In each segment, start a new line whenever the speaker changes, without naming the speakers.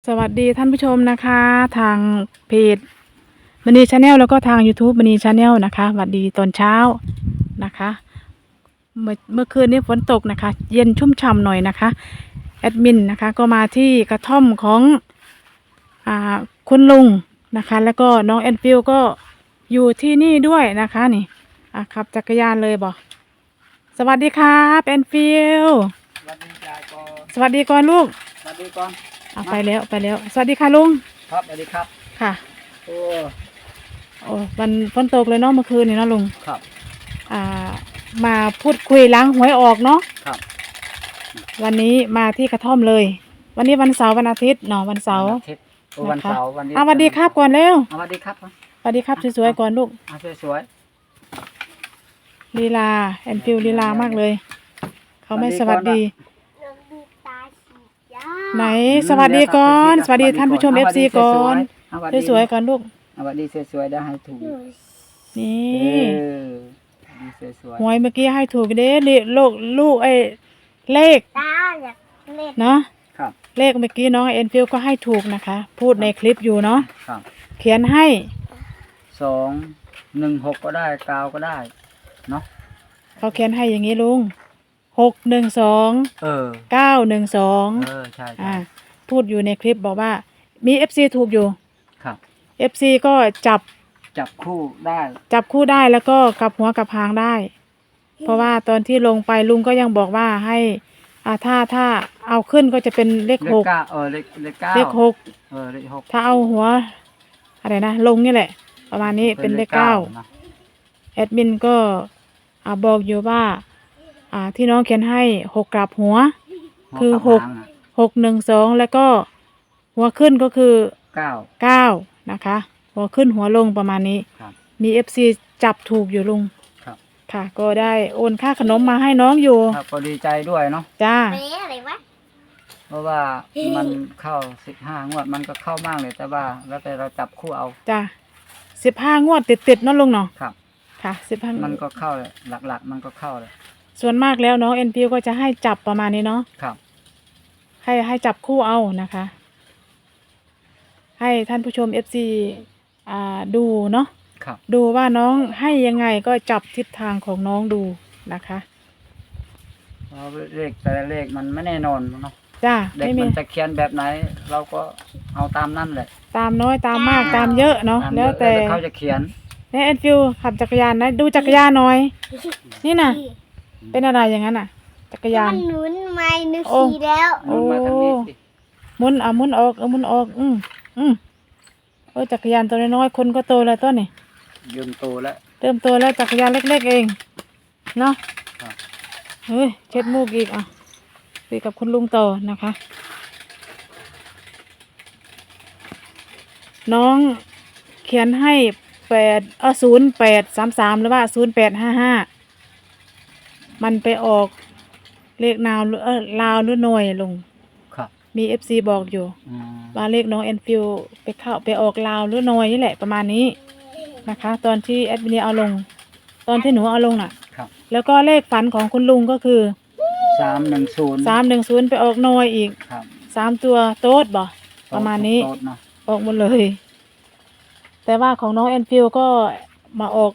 สวัสดีท่านผู้ชมนะคะทางเพจมณีชาแนลแล้วก็ทาง YouTube มณีชาแนลนะคะสวัสดีตอนเช้านะคะเมื่อคืนนี้ฝนตกนะคะเย็นชุ่มฉ่ำหน่อยนะคะแอดมินนะคะก็มาที่กระท่อมของคุณลุงนะคะแล้วก็น้องแอนฟิลก็อยู่ที่นี่ด้วยนะคะนี่ขับจักรยานเลยบอกสวัสดีครับแอนฟิล
สวัสดียายก่อน
สวัสดีก่อนลูก
สวัสดีก่อน
ไปแล้วสวัสดีค่ะลุง
ครับสวัสดีครับ
ค่ะ
โอ้
วันฝนตกเลยเนาะเมื่อคืนนี่เนาะลุง
ครับ
มาพูดคุยล้างหวยออกเนาะ
ครับ
วันนี้มาที่กระท่อมเลยวันนี้วันเสาร์วันอาทิตย์เนาะวันเสาร์
วันเสาร์วันนี้
สวัสดีครับก่อนเร็ว
สวัสดีครับ
สวัสดีครับสวยๆก่อนลูก
สวย
ลีลาแอนฟิลลีลามากเลยเขาไม่สวัสดีไหนสวัสดีก่อนสวัสดีท่านผู้ชม FC ก่อนสวยๆก่อนลูก
สวัสดีสวยๆได้ให้ถูก
นี่
สวย
หวยเมื่อกี้ให้ถูกเด้ลูกเลขเนาะเลขเมื่อกี้น้องแอนฟิลก็ให้ถูกนะคะพูดในคลิปอยู่เนาะเขียนให้
216ก็ได้9ก็ได้เนาะ
เขาเขียนให้อย่างนี้ลุง612 912
ใช่
พูดอยู่ในคลิปบอกว่ามี FC ถูกอยู่
ครับ
FC ก็จับ
คู่ได้
แล้วก็กลับหัวกลับหางได้ เพราะว่าตอนที่ลงไปลุงก็ยังบอกว่าให้ถ้าเอาขึ้นก็จะเป็นเลข6เลข6ถ้าเอาหัวอะไรนะลงนี่แหละประมาณนี้เป็นเลข9แอดมินก็บอกอยู่ว่าที่น้องเขียนให้6กลับหัวคือ612แล้วก็หัวขึ้นก็คือ9นะคะหัวขึ้นหัวลงประมาณนี้มี FC จับถูกอยู่ลุงค่ะก็ได้โอนค่าขนมมาให้น้องอยู่
ก็ดีใจด้วยเนาะ
จ้า
เพราะว่ามันเข้า15งวดมันก็เข้ามากเลยแต่ว่าแล้วแต่เราจับคู่เอา
จ้า15งวดติดเนาะลุงเนาะ
ครับ
ค่ะ15
มันก็เข้าเลยหลักๆมันก็เข้าเลย
ส่วนมากแล้วน้องเอ็นพีก็จะให้จับประมาณนี้เนาะ
ครับ
ให้จับคู่เอานะคะให้ท่านผู้ชม FC ดูเนาะดูว่าน้องให้ยังไงก็จับทิศทางของน้องดูนะคะ
เลขแต่ละเลขมันไม่แน่นอนเนาะ
จ้า
เด็กมันจะเขียนแบบไหนเราก็เอาตามนั่นแหละ
ตามน้อยตามมากตามเยอะเนาะแล้วแต่
เขาจะเขียน
เนี่ยแอนฟิลขับจักรยานนะดูจักรยานหน่อยนี่น่ะเป็นอะไรอย่างนั้นน่ะจักรยาน
หมุนไม่นึกสีแล้ว
โอ้หมุนหมุนออกหมุนออกจักรยานตัวน้อยคนก็โตแล้วต้นนี่
เริ่มโตแล้ว
จักรยานเล็กๆเองเนาะเฮ้ยเช็ดมูกอีกคุยกับคุณลุงต่อนะคะน้องเขียนให้0833หรือว่า0855มันไปออกเลขลาวหรือหน่วยลุงมี FC บอกอยู่ว่าเลขน้องแอนฟิลไปออกลาวหรือหน่วยนี่แหละประมาณนี้นะคะตอนที่แอดมินเอาลงตอนที่หนูเอาลงน่ะแล้วก็เลขฝันของคุณลุงก็คือ310ไปออกหน่วยอีก3ตัวโต๊ดบ่ประมาณนี้ออกหมดเลยแต่ว่าของน้องแอนฟิลก็มาออก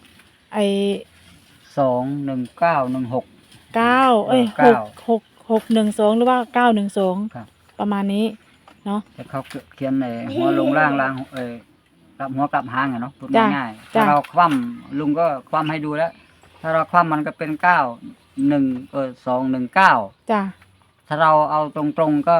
612หรือว่า912ประมาณนี้เนาะ
แต่เขาเขียนในหัวลงล่างกลับหัวกลับหางเนาะพูดง่ายๆถ้าเราคว่ำลุงก็คว่ำให้ดูแล้วถ้าเราคว่ำมันก็เป็น219
จ้ะ
ถ้าเราเอาตรงๆก็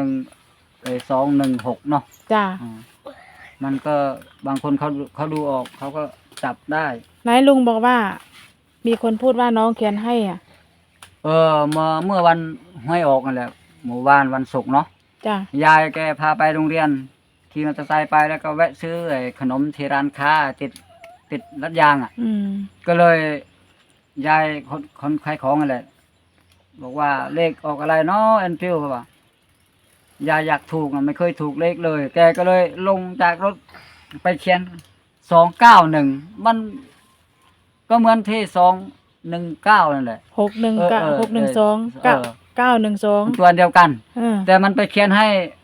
216เนาะ
จ้ะ
มันก็บางคนเขาดูออกเขาก็จับได้
ไหนลุงบอกว่ามีคนพูดว่าน้องเขียนให้
เมื่อวันห้วยออกนั่นแหละหมู่บ้านวันศุกร์เนาะ
จ้ะ
ยายแกพาไปโรงเรียนขี่มอเตอร์ไซค์ไปแล้วก็แวะซื้อขนมที่ร้านค้าติดรัดยางก็เลยยายคนขายของนั่นแหละบอกว่าเลขออกอะไรเนาะแอนฟิลเขาว่ายายอยากถูกไม่เคยถูกเลขเลยแกก็เลยลงจากรถไปเขียน291มันก็เหมือนที่219นั่นแหละ
612 912
ตัวเดียวกันแต่มันไปเขียนให้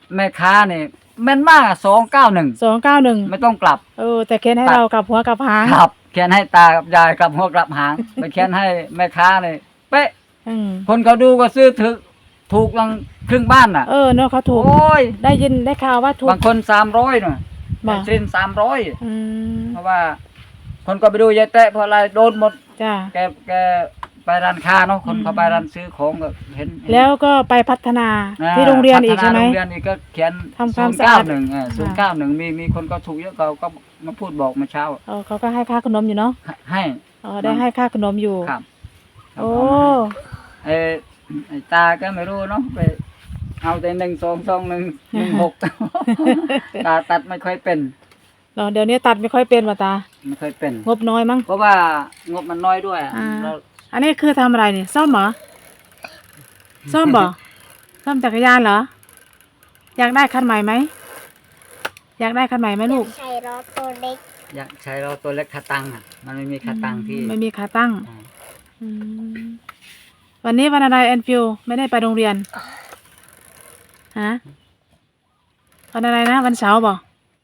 แม่ค้าเนี่ยแม่นมาก291
291
ไม่ต้องกลับ
แต่เขียนให้เรากลับหัวกลับหาง
ครับเขียนให้ตากับยายกลับหัวกลับหาง ไปเขียนให้แม่ค้าเนี่ยเป๊ะ
อืม
คนเขาดูก็ซื้อถูกลังครึ่งบ้านน่ะ
เนาะเขาถูก
โอ้ย
ได้ยินได้ข่าวว่าถูก
บางคน300น่ะ
บ่
เส้น300
อืม
เพราะว่า คนก็ไปดูยายแตะเพราะอะไรโดนหมด
จ้า
แกไปร้านค้าเนาะคนเขาไปร้านซื้อของก็เห็น
แล้วก็ไปพัฒนา
อ่า
ที่โรงเรียนอีกใช่ไหม
พัฒนาโรงเรียนอีกก็เขียน
ทำความสะอาด
091มีคนก็ถูกเยอะเขาก็มาพูดบอกเมื่อเช้า
เขาก็ให้ค่าขนมอยู่เนาะ
ให้
ได้ให้ค่าขนมอยู่
ครับ
โอ้
ไอ้ตาก็ไม่รู้เนาะไปเอาแต่1 2 2 1 1 6 ตาตัดไม่ค่อยเป็น
เดี๋ยวนี้ตัดไม่ค่อยเป็นว่ะตา
ไม่ค่อยเป็น
งบน้อยมั้ง
เพราะว่างบมันน้อยด้วย เรา
อันนี้คือทำอะไรนี่ซ่อมเหรอซ่อมบ่ซ่อมจักรยานเหรอ อยากได้คันใหม่ไหมอยากได้คันใหม่ไหมลูก
ใช้รถตัวเล็ก
อยากใช้เราตัวเล็กขาตั้งอ่ะ มันไม่มีขาตั้งที่
ไม่มีขาตั้ง
อ่า
อืมวันนี้วันอะไรแอนฟิวไม่ได้ไปโรงเรียนฮะวันอะไรนะวันเสาร์บ่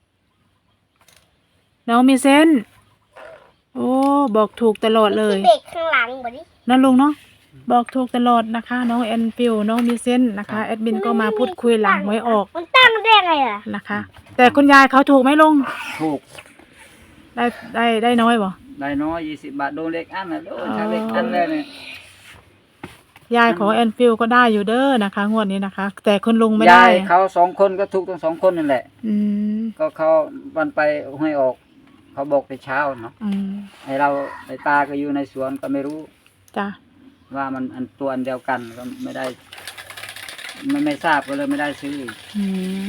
น้องมีเส้นโอ้บอกถูกตลอดเลย
ที่เบรกข้างหลังบ่ดิ
นั่นลุงเนาะบอกถูกตลอดนะคะ น้องแอนฟิวน้องมีเส้นนะคะแอดมินก็มาพูดคุยหลังไว้ออก
มันตั้งได้ไงอ่ะ
นะคะ แต่คุณยายเขาถูกไหมลุง
ถูก
ได้น้อยบ่
ได้น้อย20 บาทโดนเล็กอันน่ะโดนถ้าเล็กอันเลยเนี่ย
ยายของแอนฟิวก็ได้อยู่เด้อนะคะงวดนี้นะคะ แต่คุณลุงไม่
ยา
ได้
ยเขา2 คนก็ถูกทั้ง2 คนนั่นแหละ
อืม
ก็เขาวันไปให้ออก เขาบอกแต่เช้าเนาะ
อืม
ไอ้ตาก็อยู่ในสวนก็ไม่รู้
จ้ะ
ว่ามันตัวอันเดียวกันก็ไม่ได้ไม่ทราบก็เลยไม่ได้ซื้ออีก
อืม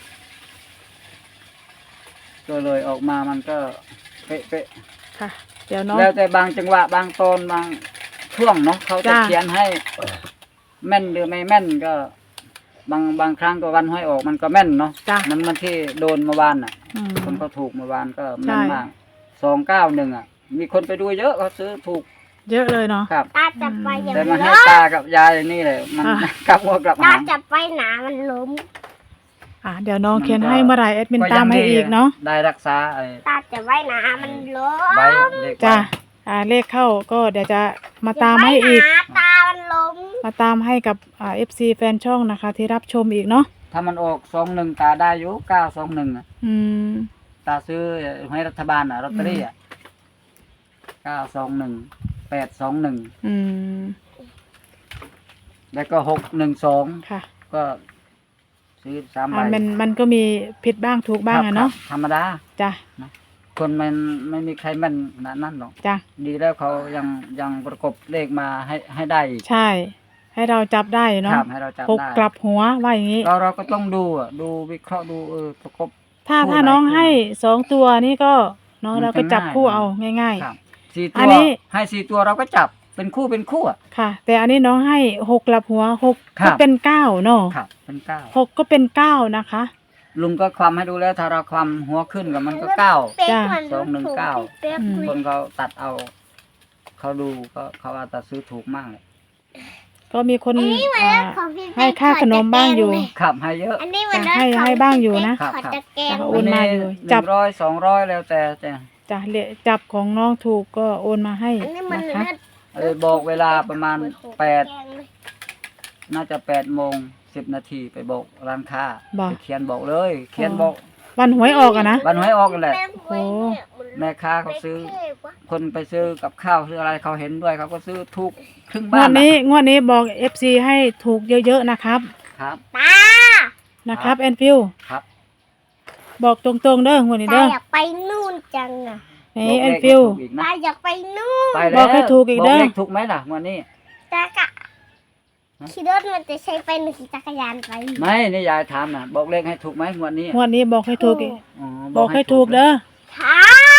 ก็เลยออกมามันก็เป๊ะ
ค่ะ เดี๋ยวน้อง
ๆแล้วแต่บางจังหวะบางตอนบางช่วงเนาะเขาจะ
จ้ะ
เขียนให้แม่นหรือไม่แม่นก็ บางครั้งก็วันห้อยออกมันก็แม่นเนาะ
จ้ะ
มันที่โดนเมื่อวานน่ะ
อืม
คนก็ถูกเมื่อวานก็แม่น
ใช่
มาก291อ่ะ มีคนไปดูเยอะเขาซื้อถูก
เยอะเลยเนาะ
ครับ
ตาจับไปอย่าง
แต่มา
นี้
ให้ตากับยายนี่เลยมัน
อ่ะ
กลับหัวกลับ
ตา
หาง
จับไปหนามันล้ม
เดี๋ยวน้อง
มันก็
เขียนให้เมื่อไหร่แอดมิน
ก็
ตามให้อีกเนาะ
ได้รักษาไอ้
ตาจับไว้หนามันล้ม
ใบเลข
จ้ะ
ใบ
เลขเข้าก็เดี๋ยวจะมาตามให้อีก
จับไว้หนาตามันล้ม
มาตามให้กับFC แฟนช่องนะคะ ที่รับชมอีกเนาะ
ถ้ามันออก21ตาได้อยู่921อ่ะ
อืม
ตาซื้อให้รัฐบาลอ่ะลอตเตอรี่อ่ะ921 821
อืม
แล้วก็612
ค่ะ
ก็ซื้อ3ใบ
มันก็มีผิดบ้างถูกบ้าง
ครั
อะเนาะ
ครับธรรมดา
จ้ะ
คนมันไม่มีใครแม่นขนาดนั้นหรอก
จ้ะ
ดีแล้วเขายังประกบเลขมาให้ได้อีก
ใช่ ให้เราจับได้
ค
เนาะ
รับให้เราจับ
หก
ได้
กลับหัวว่าอย่างนี้
เราก็ต้องดูอ่ะดูวิเคราะห์ดูประกบ
ถ้า
คู่ไหน
น้อง
คู่ไหน
ให้2ตัวนี่ก็เนาะ
มัน
เราก็จับ
ง่าย
คู่เอาง่าย
ครับ4
อั
ตั
น
ว
นี้
ให้4ตัวเราก็จับเป็นคู่อ่ะ
ๆ ค่ะ แต่อันนี้น้องให้6กลับหัว6
ครั
ก็
บ
เป็น9เนาะ
ครับเป็น9
6ก็เป็น9นะคะ
ลุงก็ความให้ดูแล้วถ้าเราความหัวขึ้นกับมันก็9
เป๊ก
จ้ะ
มัน
219
เป๊ก
อืม
คนเขาตัดเอา เขาดูก็เขาว่าตัดซื้อถูกมากเลย
ก็มีคน
อันนี้มัน
อ่า
รถของพี่เป๊ก
ให้ค่าขนมบ้างอยู่
ครับให้เยอะ
อันนี้มันรถ
ให้
ของ
ให้บ้างอยู่นะ
พี่เป๊กขอตะแกรง
โอนมาอยู่จั
จั
บ
บ100 200แล้วแต่
จ้ะจับของน้องถูกก็โอนมาให้
อันนี้มัน
นะคะ
รถ
บอกเวลาประมาณ
แกรงเลย
น่าจะ8:10 นไปบอกร้านค้า
บอก
ไปเขียนบอกเลย เขียนบอก
วันหวยออกอะนะ
วันหวยออกกันแหละ
โอ้
แม่ค้าเขาซื้อ
เท่กว่า
คนไปซื้อกับข้าวซื้ออะไรเขาเห็นด้วยเขาก็ซื้อถูกครึ่ง
ง
บ้า
วน ดนี้
น่ะ
งวดนี้บอก FC ให้ถูกเยอะๆนะครับ
ครับ
ตา
นะครับแอนฟิว
ครับ
บอกตรงๆเด้องวดนี้
ตา
เด้อ
อยากไปนู่นจังอ่ะ
นี่
บก
แอน
เลข
ฟิว
ให้ถูกอีกนะ
ตาอยากไปนู่น
ไป
บ
แล้
อ
ว
กให้ถูกอีกเด้อ
บเลขถูกไหมล่ะวันนี้
ตากะขี่รถมันจะใช้ไปหรือขี่จักรยานไป
ไม่นี่ยายถามนะบอกเลขให้ถูกไหมงวดนี้
งวดนี้บอกให้ถูกอีก
อ๋อ
บอกให้ถูกเด้อ
ครับ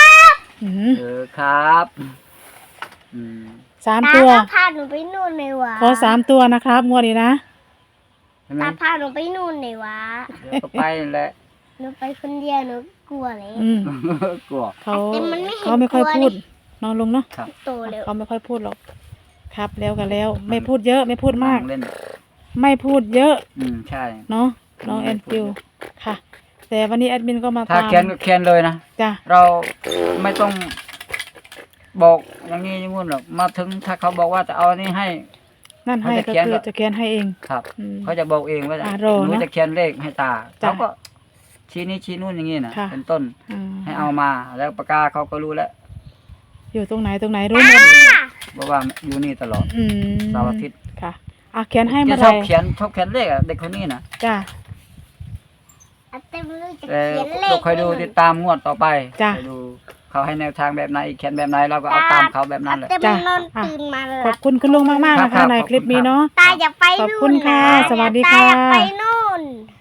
อืม
ครับอืม
สาม
ตา
ตัว
ก็พาหนูไปนู่นเลยวะ
ขอ3 ตัวนะครับงวดนี้นะ
ใช่ไหม
ตาพาหนูไปนู่นเลยวะ
เดี๋ยวก็ไปนั่นแหละ
หนูไปคนเดียวหนูกลัวเลย
อืม
กลัว
เขา
แต่มันไม่เห็น
เขาไม่ค่อย
ตัว
พูด
นี่
น้องลุงเนาะ
ครับ
โตเร็ว
เขาไม่ค่อยพูดหรอกครับแล้วกันแล้ว ไม่พูดเยอะไม่พูดมาก
นั่งเล่น
ไม่พูดเยอะ
ใช่
เนาะน้องแอนฟิวค่ะ แต่วันนี้แอดมินก็มา
ถ้า
ตาม
เขียนก็เขียนเลยนะ
จ้ะ
เราไม่ต้องบอกอย่างนี้อย่างงู้นหรอกมาถึงถ้าเขาบอกว่าจะเอาอันนี้ให้
นั่นให้
เขา
ก็
จะเขียน
คือ
ก็
จะเขียนให้เอง
ครับ
อืม
เขาจะบอกเองว่า
อ่ะ
ห
รอ
นู
เนอะ
จะเขียนเลขให้ตา
จ้ะ
เขาก็ชี้นี้ชี้นู่นอย่างนี้นะ
ค่ะ
เป็นต้น
อืม
ให้เอามาแล้วปากกาเขาก็รู้แล้ว
อยู่ตรงไหนรู้หมด
บอกว่าอยู่นี่ตลอด
อืม
เสาร์อาทิตย์
ค่ะอ่ะเขียนให้
แก
เมื่อ
ช
ไห
อ
ร่
บเขียนเลขอะเด็กคนนี้นะ
จ้ะ
อาเต็มเลยจะ
แต่
เขียนเล
เรา
ข
คอยดูติดตามงวดต่อไป
จ้ะ
คอยดูเขาให้แนวทางแบบไหนเขียนแบบไหนเราก็เอาตามเขาแบบนั้นแหละ
อาเต็ม
จ้ะ
นอนตื่นมาเลย
ขอบคุณคุณลุงมากๆนะ
ครั
คะ
บ
ใน
ขอบคุณ
คลิปนี้เนาะ
ตาอยากไป
ขอบ
นู่น
คุณค่ะ
นะ
สวัสดี
ตา
ค่ะ
อยากไปนู่น